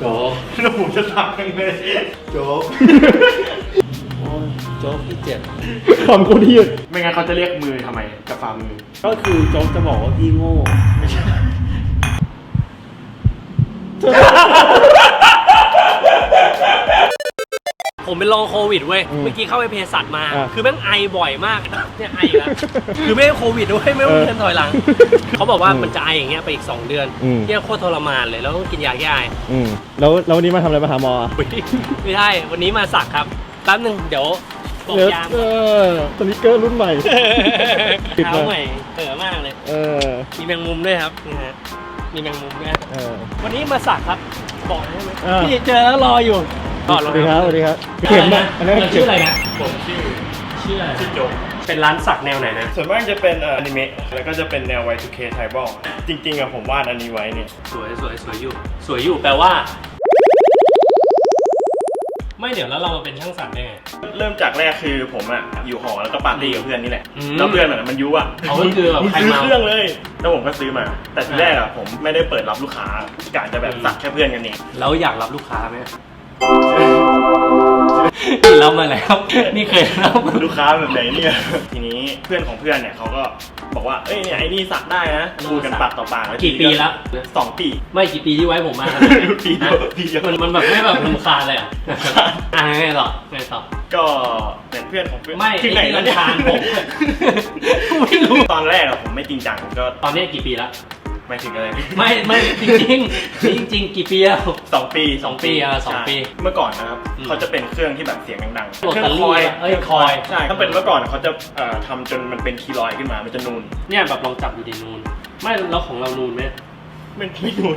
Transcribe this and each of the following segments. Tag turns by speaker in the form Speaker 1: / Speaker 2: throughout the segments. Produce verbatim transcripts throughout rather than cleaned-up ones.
Speaker 1: โจ๊กแล้วผมจะสักยังไงโจ๊กโอ้ยโจ๊กพี่เจ็บ
Speaker 2: คำโคตรยืด
Speaker 1: ไม่งั้นเขาจะเรียกมือทำไมกับฝ่ามือ
Speaker 2: ก็คือโจ๊กจะบอกว่าพี่โง่ไม่ใช่
Speaker 3: ผมเป็นลองโควิดเว้ยเมื่อกี้เข้าไปเภสัชมาคือแม่งไอบ่อยมากเนี่ยไอแล้วคือไม่ใช่โควิดด้วยไม่ต้องเดินถอยหลังเขาบอกว่ามันจะไออย่างเงี้ยไปอีกสองเดือนเนี่ยโคตรทรมานเลยแล้วต้องกินยาแก้ไอ
Speaker 2: แล้วแล้ววันนี้มาทำอะไรมาหาหมอ
Speaker 3: ไม่ใช่วันนี้มาสักครับแป๊บนึงเดี๋ยวบอกยาม
Speaker 2: เออสนิเกอร์รุ่นใหม่
Speaker 3: เท้าใหม่เอ๋อมากเลย
Speaker 2: เออ
Speaker 3: มีแมงมุมด้วยครับนี่ฮะมีแมงมุมด้วยวันนี้มาสักครับบอกได้ไหมพี่เจอแล้วรออยู่
Speaker 2: สวัสดีครับสวัสดีครับเข็มนะอันนี้
Speaker 3: ชื่ออะไรนะ
Speaker 1: ผมชื่อ
Speaker 3: ชื่ออะไร
Speaker 1: ชื่อโจ๊ก
Speaker 3: เป็นร้านสักแนวไหนนะ
Speaker 1: ส่วนมากจะเป็นอนิเมะแล้วก็จะเป็นแนว วาย ทู เค ไทบอลจริงๆอะผมวาดอันนี้ไว้เนี่ย
Speaker 3: สวยสวยสวยอยู่สวยอยู่แปลว่าไม่เดี๋ยวแล้วเรามาเป็นช่างสักได้ไง
Speaker 1: เริ่มจากแรกคือผมอะอยู่หอแล้วก็ปาร์ตี้กับเพื่อนนี่แหละแล้วเพื่อนอะมันยุอะ
Speaker 3: เขาก็คือแบบใคร
Speaker 1: มาซื้อเครื่องเลยแล้วผมก็ซื้อมาแต่ทีแรกอะผมไม่ได้เปิดรับลูกค้ากะจะแบบสักแค่เพื่อนกันเอง
Speaker 3: แล้วอยากรับลูกค้าไหมรับมาแล้วนี่เคยรับ
Speaker 1: ลูกค้าแบบไหนเนี่ยทีนี้เพื่อนของเพื่อนเนี่ยเขาก็บอกว่าเอ้ยเนี่ยไอ้นี่สักได้นะพูดกันปากต่อปาก
Speaker 3: กี่ปีแล้ว
Speaker 1: สองปี
Speaker 3: ไม่กี่ปีที่ไว้ผมมา
Speaker 1: ปีเดียวปีเดียว
Speaker 3: มันมันแบบไม่แบบรำคาญเลยอ่ะอ่ะไงต่อไงต่อ
Speaker 1: ก็เป็นเพื่อนของเพื่อน
Speaker 3: ไม่
Speaker 1: ที่ไหนแล้วเนี่ย
Speaker 3: ผมไม่รู้
Speaker 1: ตอนแรกอะผมไม่จริงจังก็
Speaker 3: ตอนนี้กี่ปีแล้ว
Speaker 1: ไม่ถึงอะไร
Speaker 3: ไม่ไม่จริงจริงจริงจริงกี่ปีแล้ว
Speaker 1: สองปี
Speaker 3: สองปีอ่ะสองปี
Speaker 1: เมื่อก่อนนะครับเขาจะเป็นเครื่องที่แบบเสียงดังๆ
Speaker 3: เครื่องคอยเอ้ยคอย
Speaker 1: ใช่ถ้าเป็นเมื่อก่อนเขาจะทำจนมันเป็นคีลอยขึ้นมามันจะนูน
Speaker 3: เนี่ยแบบลองจับดูดินูนไม่แล้วของเรานูนไหม
Speaker 1: มันไม่นูน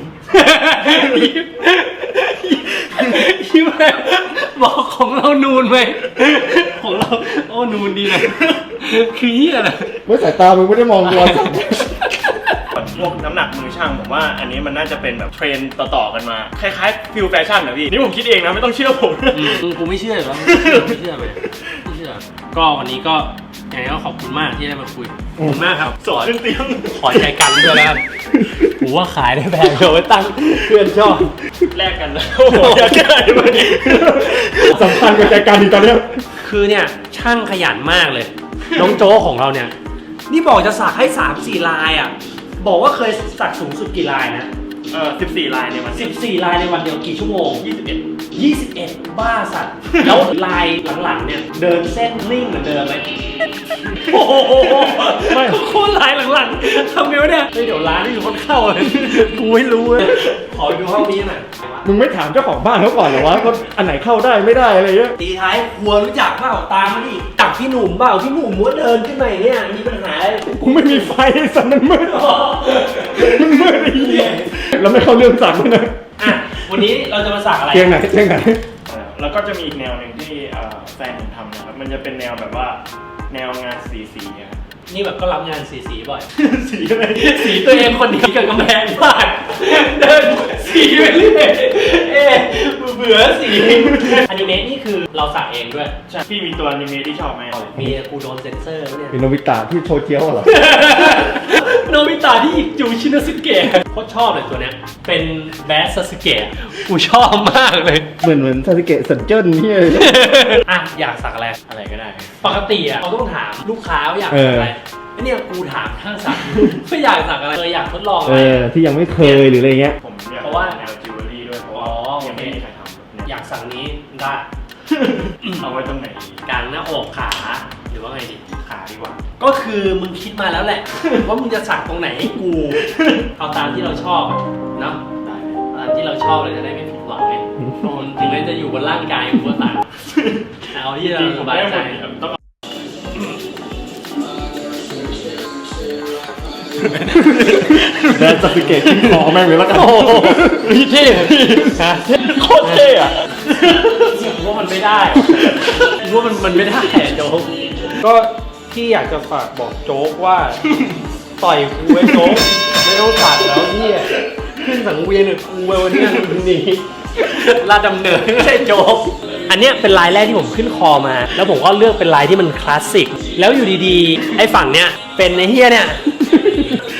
Speaker 3: ยิ้มเลยบอกของเรานูนไหมของเราโอ้นูนดีเลยคือเหี้ยอะไร
Speaker 2: เมื่อสายตามึงไม่ได้มองตัว
Speaker 1: พวกน้ำหนักมือช่างผมว่าอันนี้มันน่าจะเป็นแบบเทรนต่อๆกันมาคล้ายๆฟิลแฟชั่นนะพี่นี่ผมคิดเองนะไม่ต้องเชื่อผม
Speaker 3: กูไม่เชื่อหรอไม่เชื่อเลยไม่เชื่อก็วันนี้ก็ยังไงก็ขอบคุณมากที่ได้มาคุยขอบคุณมากครับ
Speaker 1: สอนเตียง
Speaker 3: ขอใจกันด้วยแล้วผมว่าขายได้แพงเลยไว้ตั้งเพื่อนชอบ
Speaker 1: แลกกันแล้วโอ้โหอยากได้มาดิ
Speaker 2: สำคัญกับใจกันดีตอนนี้
Speaker 3: คือเนี่ยช่างขยันมากเลยน้องโจ้ของเราเนี่ยนี่บอกจะสักให้สามสี่ลายอ่ะบอกว่าเคยสักสูงสุดกี่ลายนะ
Speaker 1: เออสิบสี่ลายในวัน
Speaker 3: สิบสี่ลายในวันเดียวกี่ชั่วโมง
Speaker 1: ยี่สิบเอ็ด
Speaker 3: ยี่สิบเอ็ดบ้าสัตว์แล้วลายหลังๆเนี่ยเดินเส้นนิ่งเหมือนเดิมไหมโอ้โหไม่โคตรลายหลังๆทำไงวะเนี่ยเดี๋ยวร้านนี่มีคนเข้าเลยกูไม่รู้เลยขอดูห้องนี้หน่อย
Speaker 2: มึงไม่ถามเจ้าของบ้านเขาก่อนเหรอวะว่าอันไหนเข้าได้ไม่ได้อะไรเงี้ย
Speaker 3: ตีท้ายหัวรู้จักเปล่าตามมาดิจับพี่หนุ่มเปล่าพี่หนุ่มม้วนเดินขึ้นมาเนี่ยมีปัญหา
Speaker 2: กูไม่มีไฟสันมันมืดมันมืดไอ้เหี้ยแล้วไม่เข้าเรื่องสักนะ
Speaker 3: อ่ะวันนี้เราจะมาสักอะไร
Speaker 2: เตียงไหนเตียงไหน
Speaker 1: แล้วก็จะมีอีกแนวหนึ่งที่แฟนผมทำนะครับมันจะเป็นแนวแบบว่าแนวงานสีสีครับ
Speaker 3: นี่แบบก็รับงานสีสีบ่อย
Speaker 1: สีอะไร
Speaker 3: สีตัวเองคนนี้กับกำแพงบ้านเดินสีไปเรื่อยเอ๊ะเบื่อสีอนิเมะนี่คือเราสักเองด้วย
Speaker 1: ใช่พี่มีตัวอนิเมะที่ชอบไหม
Speaker 3: มีกูโดนเซนเซอร์เนี่ย
Speaker 2: เป็นโนบิตะที่โชว์เจียวเหรอ
Speaker 3: โนบิตะที่จูชินาสึเกะโคตรชอบเลยตัวเนี้ยเป็นแบสซาสึเกะกูชอบมากเลย
Speaker 2: เหมือนเหมือนซาสึเกะสันเจิ้นนี่
Speaker 3: อ่ะอยากสักอะไร
Speaker 1: อะไรก็ได้
Speaker 3: ปกติอ่ะเขาต้องถามลูกค้าว่าอยากสักอะไรเนี่ยกูถามช่างสักไม่อยากสักอะไรเลยอยากทดลองอะไร
Speaker 2: ที่ยังไม่เคยหรืออะไรเงี้ย
Speaker 1: ผมอยากเพราะว่าแนวจิวเวลรี่ด้วยเพราะว่ายังไม่มีใครทำ
Speaker 3: อยากสักนี้ได้
Speaker 1: เอาไว้ตรงไหน
Speaker 3: กลางหน้าอกขาหรือว่าไงดีขาดีกว่าก็คือมึงคิดมาแล้วแหละว่ามึงจะสักตรงไหนให้กูเอาตามที่เราชอบเนาะตามที่เราชอบเลยจะได้ไม่ผิดหวังไงถึงแม้จะอยู่บนร่างกายกูก็ตัดเอาที่เราสบายใจ
Speaker 2: แบนซาสึเกะขึ้นคอแม่งเลยแล้วกัน
Speaker 3: พี่เท่พี่
Speaker 1: โคตรเท่อะ
Speaker 3: ว่ามันไม่ได้ว่ามันมันไม่ได้โจ๊ก
Speaker 2: ก็ที่อยากจะฝากบอกโจ๊กว่าต่อยกูไว้โจ๊กไม่ต้องตัดแล้วพี่
Speaker 3: ขึ้นสังเวียนหรือกูไว้วันนี้วันนี้ลาดำเนินไม่ใช่โจ๊กอันเนี้ยเป็นลายแรกที่ผมขึ้นคอมาแล้วผมก็เลือกเป็นลายที่มันคลาสสิกแล้วอยู่ดีๆไอ้ฝั่งเนี้ยเป็นไอ้เฮียเนี่ย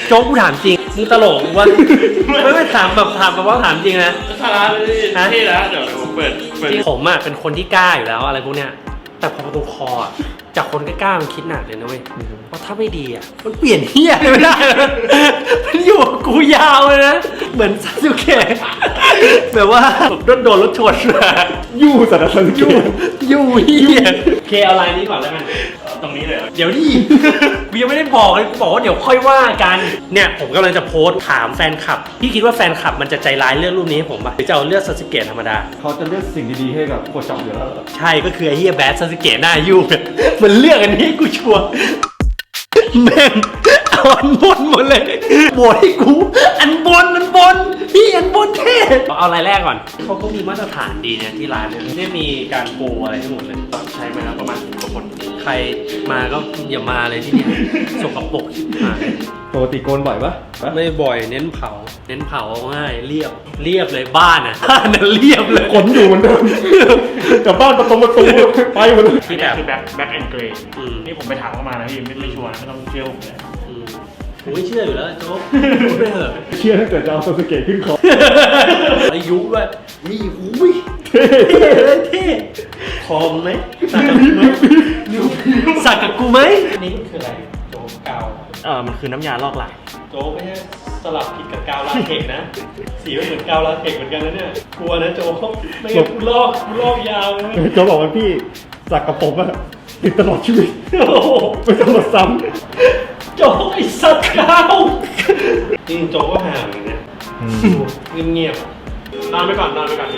Speaker 3: โจ๊กกูถามจริงมึงตลกวะไม่ไม่ถามแบบถามแบบว่าถามจริงนะ
Speaker 1: ทาราเลยที่แล้วเดี๋ยวผมเปิดเปิด
Speaker 3: จริงผมอ่ะเป็นคนที่กล้าอยู่แล้วอะไรพวกเนี้ยแต่พอประตูคออ่ะจากคนกล้าๆมันคิดหนักเลยนะเว้ยเพราะถ้าไม่ดีอ่ะมันเปลี่ยนเฮียเลยไม่ได้มันอยู่กับกูยาวเลยนะเหมือนซาสึเกะแบบว่าโดนโดนรถชนมา
Speaker 2: ยู่สัตว์สัตว์
Speaker 3: ยู่ยู่เฮียเคเอาไลน์นี้ก่อนแล้วกัน
Speaker 1: ตรงนี้เลย
Speaker 3: เดี๋ยวดิกูยังไม่ได้บอกเลยกูบอกว่าเดี๋ยวค่อยว่ากันเนี่ยผมกำลังจะโพสต์ถามแฟนคลับพี่คิดว่าแฟนคลับมันจะใจร้ายเลือกรูปนี้ให้ผมป่ะหรือจะเอาเลือกซาสึเกะธรรมดา
Speaker 2: เขาจะเลือกสิ่งดีๆให้กับโคจับอยู่แล้ว
Speaker 3: ใช่ก็คือไอ้เฮียแบดซาสึเกะหน้ายุ่งมันเลือกอันนี้ให้กูชัวร์แม่งเอาอันบนหมดเลยโหวตให้กูอันบนอันบนพี่อันบนเท่เอารายแรกก่อนเขาก็มีมาตรฐานดีเนี่ยที่ร้านเนี่ยไม่มีการโกงอะไรให้หมดเลย
Speaker 1: ใช้มาแล้วประมาณสิบกว่าคน
Speaker 3: ใครมาก็อย่ามาเลยที่นี่สกปรกชิบหาย
Speaker 2: ปกติโกนบ่อยปะ
Speaker 3: ไม่บ่อยเน้นเผา เน้นเผาง่ายเรียบเรียบเลยบ้านอ่ะบ้านน่ะเรียบเลย
Speaker 2: ขนอยู่เหมือนเดิมกับบ้านประตูประตูไปหมดเลย
Speaker 1: ที่แบบคือแบ็คแบ็คแอนด์เกรย์
Speaker 3: อืม
Speaker 1: นี่ผมไปถามเข้ามานะพี่ไม่ไม่ชัวร์นะไม่ต้องเชื่อผมเลย
Speaker 3: อืมผมไม่เชื่ออยู่แล้วโจ๊กพูดไปเถอะ
Speaker 2: เชื่อตั้งแต่จะเอาซาสึเกะขึ้นคอ
Speaker 3: อายุด้วยนี่หูยเท่เลยเท่คอมไหมสักกับกูไหมสักกับกูไหมอันนี้คืออะไรโจ๊กกาว
Speaker 1: เออมันคือน้ำยาลอกลาย
Speaker 3: โจ๊กไม่ใช่สลับผิดกับกาวลาเทกนะสีไม่เหมือนกาวลาเทกเหมือนกันนะเนี่ยกลัวนะโจ๊กไม่งั้นกูลอกกูลอกยาวเลย
Speaker 2: จะบอกว่าพี่สักกับผมอะติดตลอดชีวิต
Speaker 3: โอ้โห
Speaker 2: ไม่ต้องมาซ้
Speaker 3: โจ๊กไอ้สัตว์กาวจริงโจ๊กก็ห่างอย่างเงี้ย
Speaker 2: ำ
Speaker 3: เงียบๆอะ
Speaker 1: นอนไปก่อนนอนไปก่อนพี่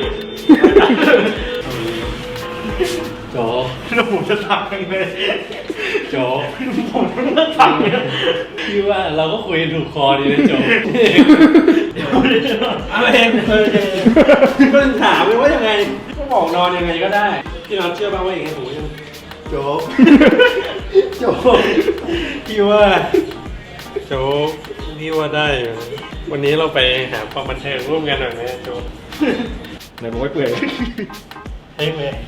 Speaker 3: โจ๊ก
Speaker 1: แล้วผมจะสั่งยังไง
Speaker 3: โจ๊ก
Speaker 1: ผมจะสั่งเนี่ย
Speaker 3: พี่ว่าเราก็คุยกันถูกคอดีนะโจ๊กเอาเองเออก็ถามเลยว่ายังไงก็บอกนอนยังไงก็ได้พี่นอนเชื่อบ้างว่าอย่างไงผมยังโจ๊กโจ๊กพี่ว่าโจ๊กพี่ว่าได้อยู่วันนี้เราไปหาความบันเทิงร่วมกันหน่อยไหมโจ๊ก
Speaker 2: ไหนบอกไม่เปื่อย
Speaker 3: เฮ้ยเว้ย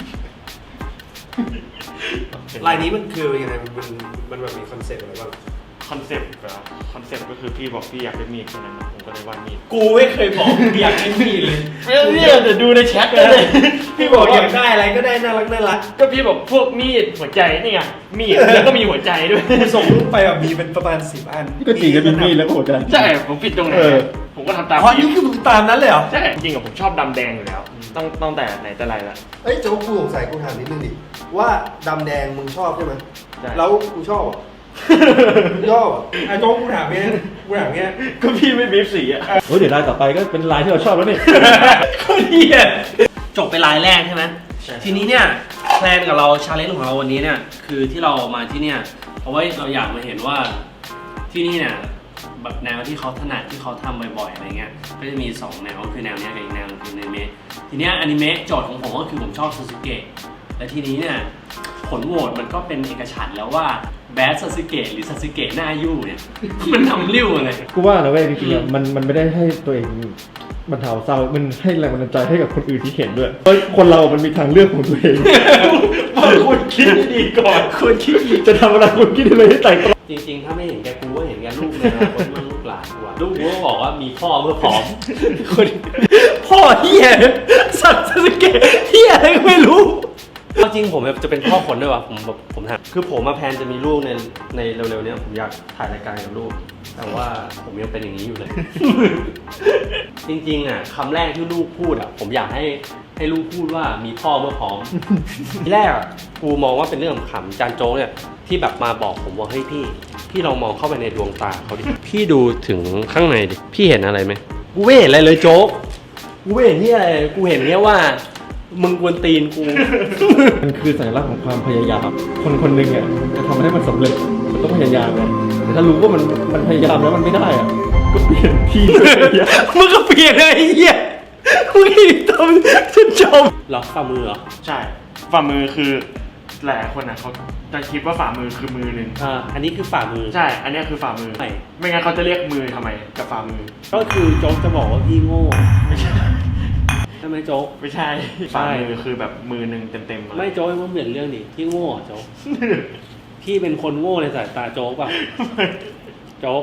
Speaker 3: ลายนี้มันคือยังไงมันมันแบบมีคอนเซ็ปต์อะไรบ้าง
Speaker 1: คอนเซ็ปต์เหรอคอนเซ็ปต์ก็คือพี่บอกพี่อยากได้มีดแค่นั้นนะผมก็เลยวาดมีด
Speaker 3: กูไม่เคยบอกอยากได้มีดเลย
Speaker 1: เนี่ยเดี๋ยวดูในแชทกันเลย
Speaker 3: พี่บอกอยากได้อะไรก็ได้น่ารักน่ารัก
Speaker 1: ก็พี่บอกพวกมีดหัวใจนี่ไงมีดแล้วก็มีหัวใจด้วย
Speaker 3: กูส่งรูปไปแบบมีเป็นประมาณสิบอัน
Speaker 2: ก็จริงก็มีมีดแล้วก็หัวใจ
Speaker 1: ใช่ผมผิดตรงไหน
Speaker 2: เออ
Speaker 1: ผมก็ทำตาม
Speaker 3: อ๋อนี่คือมึงตามนั้นเลยเหรอ
Speaker 1: ใช่จริงๆกับผมชอบดำแดงอยู่แล้วต้องตั้งแต่ไหนแต่ไรละ
Speaker 4: เอ้ยโจ๊กกูสงสัยกูถามนิดนึงดิว่าดำแดงมึงชอบใช่ไหม
Speaker 1: ใช่
Speaker 4: แล้วกูชอบอ่ะ มึงชอบอ่ะ
Speaker 3: ไอ้โจ๊กกูถามเงี้ยกูถามเงี้ย
Speaker 1: ก็พี่ไม่บีบสีอ่ะ
Speaker 2: โอ้ยเดี๋ยวลายต่อไปก็เป็นลายที่เราชอบแล้วนี่
Speaker 3: ก็ดีอ่ะจบไปลายแรกใช่ไหมทีนี้เนี่ยแพลนกับเราชาเลนจ์ของเราวันนี้เนี่ยคือที่เรามาที่เนี่ยเพราะว่าเราอยากมาเห็นว่าที่นี่เนี่ยแบบแนวที่เขาถนัดที่เขาทำบ่อยๆอะไรเงี้ยก็จะมีสองแนวคือแนวเนี้ยกับอีกแนวคืออนิเมะทีเนี้ยอนิเมะโจทย์ของผมก็คือผมชอบซูซูเกะและทีนี้เนี่ยผลโหวตมันก็เป็นเอกฉันท์แล้วว่าแบดซาสึเกะหรือซาสึเกะหน้ายู่เนี่ย มันทำริ้วอะไร
Speaker 2: กูว่านะเว้ยจริงๆอะมันมันไม่ได้ให้ตัวเองบรรเทาเศร้ามันให้แรงบันดาลใจให้กับคนอื่นที่เห็นด้วยเพราะคนเรามันมีทางเลือกของตัวเอง
Speaker 1: คุณคิดดีก่อน
Speaker 3: คนคิด
Speaker 2: จะทำอะไรคุณคิดอะไรให้ใจตรง
Speaker 3: จริงๆ ถ้าไม่เห็นแกกูก็เห็นแกลูกในอนาคตมันลูกหลานกูอะลูกกูก็บอกว่ามีพ่อเมื่อผอมคนพ่อเฮียสัตว์สเกตเฮียอะไรก็ไม่รู้จริงผมจะเป็นพ่อคนด้วยวะผมแบบผมถามคือผมมาแพลนจะมีลูกในในเร็วๆเนี้ยผมอยากถ่ายรายการกับลูกแต่ว่าผมยังเป็นอย่างนี้อยู่เลย จริงๆอ่ะคำแรกที่ลูกพูดอ่ะผมอยากให้ให้ลูกพูดว่ามีพ่อเมื่อพร้อม ทีแรกอ่ะกูมองว่าเป็นเรื่องขำจานโจ๊กเนี่ยที่แบบมาบอกผมว่าเฮ้ยพี่พี่ลองมองเข้าไปในดวงตาเขาดิ พี่ดูถึงข้างในดิพี่เห็นอะไรไหมกูไม่เห็นอะไรเลยโจ๊กกูไม่เห็นที่อะไรเลยกูเห็นแค่ว่ามึงกวนตีนกู
Speaker 2: มันคือสัญลักษณ์ของความพยายาม คนคนหนึ่งอ่ะจะทำให้มันสำเร็จมันต้องพยายามนะแต่ถ้ารู้ว่ามันมันพยายามแล้วมันไม่ได้อ่ะก็เปลี่ยนที่ไปพยายาม
Speaker 3: มึงก็เปลี่ยนเลยไอ้เหี้ยมึงอีกทำฉันชมหรอฝ่ามือเหรอ
Speaker 1: ใช่ฝ่ามือคือหลายคนนะเขาจะคิดว่าฝ่ามือคือมือหนึ่ง
Speaker 3: อ่าอันนี้คือฝ่ามือ
Speaker 1: ใช่อันเนี้ยคือฝ่ามือ
Speaker 3: ไม่
Speaker 1: ไม่งั้นเขาจะเรียกมือทำไมกับฝ่ามือ
Speaker 3: ก็คือโจ๊กจะบอกว่าพี่โง่
Speaker 1: ไม่ใช่
Speaker 3: ใช่ไหมโจ๊ก
Speaker 1: ไม่ใช่
Speaker 3: ใช่
Speaker 1: ฝ่ามือคือแบบมือหนึ่งเต็มๆเลย
Speaker 3: ไม่โจ๊กมันเปลี่ยนเรื่องดิพี่โง่อะโจ๊ก พี่เป็นคนโง่ในสายตาโจ๊กเปล่ะโจ๊ก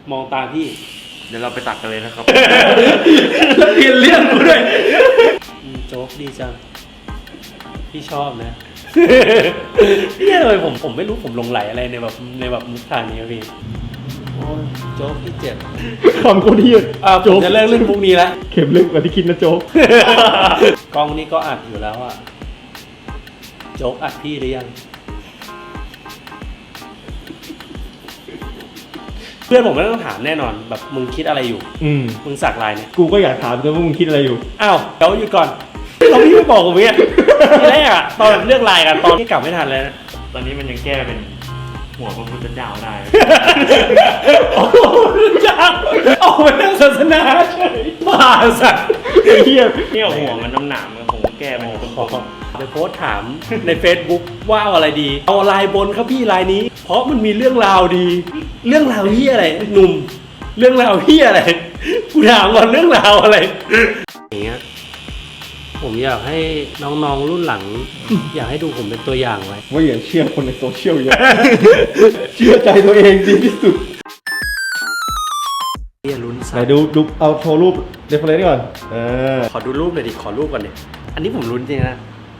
Speaker 3: มองตาพี่
Speaker 1: เดี๋ยวเราไปตักกันเลยนะครับ
Speaker 3: แล้วเปลี่ยนเรื่องกูด้วยอืมโจ๊กดีจัง พี่ชอบนะ เนี่ยเลยผมผมไม่รู้ผมหลงไหลอะไรในแบบในแบบมุกทางนี้ครับพี่โอ้ยโจ๊กพี่เจ็บ
Speaker 2: คำโคตรเฮีย
Speaker 3: อ่าผมจะเลิกเล่นมุกนี้แล้ว
Speaker 2: เข็มลึกกว่าที่คิดนะโจ๊ก
Speaker 3: กล้องนี้ก็อัดอยู่แล้วอะโจ๊กอัดพี่หรือยัง เพื่อนผมไม่ต้องถามแน่นอนแบบมึงคิดอะไรอยู่
Speaker 2: อืม
Speaker 3: มึงสักลายเนี่ย
Speaker 2: กูก็อยากถามแต่ว่ามึงคิดอะไรอยู่
Speaker 3: อ้าวเดี๋ยวหยุดก่อนเราพี่ไม่บอกกูเนี่ยทีแรกอะตอนแบบเลือกลายกันตอนที่กลับไม่ทันเลยนะ
Speaker 1: ตอนนี้มันยังแก้เป็นหัวพระพุทธเจ้าได้
Speaker 3: โอ้โหจ้าออกมาเรื่องศาสนาเฉยบ้าสัตว์
Speaker 2: ไอ้เฮีย
Speaker 1: เนี่ยหัวมันน้ำหนามอะผมก็แก้มันอยู่ตรง
Speaker 3: เดี๋ยวโพสต์ถามใน Facebook ว่าเอาอะไรดี เอาลายบนครับพี่ลายนี้ เพราะมันมีเรื่องราวดี เรื่องราวที่อะไรหนุ่ม เรื่องราวที่อะไรกูถามก่อนเรื่องราวอะไรอย่างเงี้ยผมอยากให้น้องๆรุ่นหลัง อยากให้ดูผมเป็นตัวอย่างไว้
Speaker 2: ว่าอย่าเชื่อคนในโซเชียลเยอะ เชื่อใจตัวเองดีที่สุด
Speaker 3: เรียนลุ้น
Speaker 2: ไหน
Speaker 3: สัตว์
Speaker 2: ดูดูเอาโชว์รูปเดฟเฟลนก่อนเออ
Speaker 3: ขอดูรูปหน่อยดิขอรูปก่อนดิอันนี้ผมลุ้นจริงนะ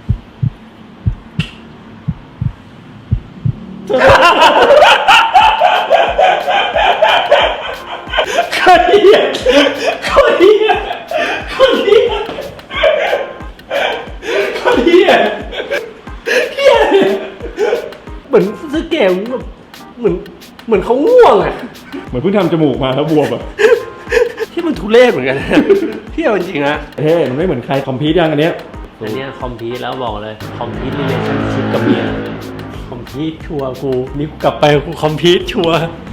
Speaker 3: คนเดียคนเดียคนเดียคนเดียเฮียเหมือนซื้อเกมแบบเหมือนเหมือนเขาง่วงอ่ะ
Speaker 2: เหมือนเพิ่งทำจมูกมาแล้วบวมอ่ะ
Speaker 3: ที่มันทุเรศเหมือนกันนะพี่เอาจริงๆนะ
Speaker 2: เฮ้ยมันไม่เหมือนใครคอมพิวต์ยังอันเนี้ย
Speaker 3: อันเนี้ยคอมพีทแล้วบอกเลยคอมพีทรีเลชั่นชิพกับเมียคอมพีทชัวร์กูนี่กูกลับไปกูคอมพีทชัวร์